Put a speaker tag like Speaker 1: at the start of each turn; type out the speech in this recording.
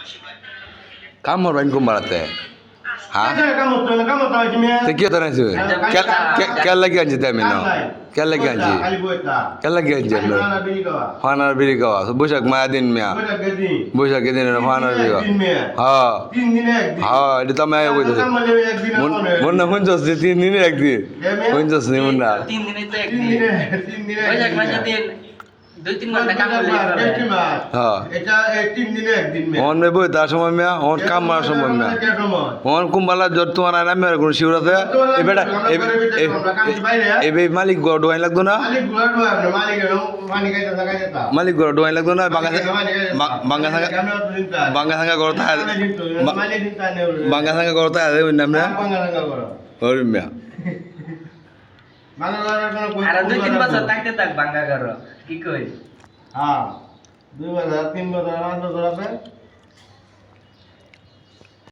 Speaker 1: কামর বাইন কম বাড়াতে হ্যাঁ
Speaker 2: Kamu tahu kimia?
Speaker 1: তে কি হতে নাইছে কে লাগি আনছি তাই মেন কে লাগি আনছি
Speaker 2: Kali buat
Speaker 1: কে লাগি আনছি আপনি
Speaker 2: Anak bini kau.
Speaker 1: ফানার বিড়ি খাওয়া বৈশাখ মায়া দিন মিয়া
Speaker 2: Buat gaji.
Speaker 1: বৈশাখের দিন ফানার বিড়ি খাওয়া
Speaker 2: Tin mea.
Speaker 1: হ্যাঁ
Speaker 2: Tin ni ek din.
Speaker 1: হ্যাঁ এটা তো মায়া কইতেছে
Speaker 2: Kamu lewe ek din apa?
Speaker 1: মন না শুনছস যে 3 দিনের একদিন শুনছস নি মন না
Speaker 3: 3 দিনে তো
Speaker 2: Tin
Speaker 3: একদিন
Speaker 2: ni tin ni.
Speaker 3: বৈশাখ মাসে 2-3 ঘন্টা কাম করলে
Speaker 1: হ্যাঁ
Speaker 2: এটা 3 দিনে একদিন মে
Speaker 1: অন মে বই তার সময় মিয়া অন কাম মারার সময় মিয়া অন কুম্বালা জোর তোমার আনা মেরে কোন শিবরাতে এ বেটা এ মালিক গড় ডোয়াই লাগতো না
Speaker 2: মালিক গুলা ডোয়া না মালিক পানি খাইতে থাকা যেতা
Speaker 1: মালিক গড় ডোয়াই লাগতো না বাঙ্গা সাঙ্গা গড় তা
Speaker 2: মালিক দিতা নে
Speaker 1: বাঙ্গা সাঙ্গা গড় তা ওই নাম না
Speaker 2: বাঙ্গা লাগা করো
Speaker 1: ওরে মিয়া
Speaker 2: বাঙ্গা লাগা কোন
Speaker 3: আর 2-3 বছর থাকতে থাক ভাঙা করো কি কই
Speaker 2: হ্যাঁ 2 বছর 3 বছর 5 বছর আছে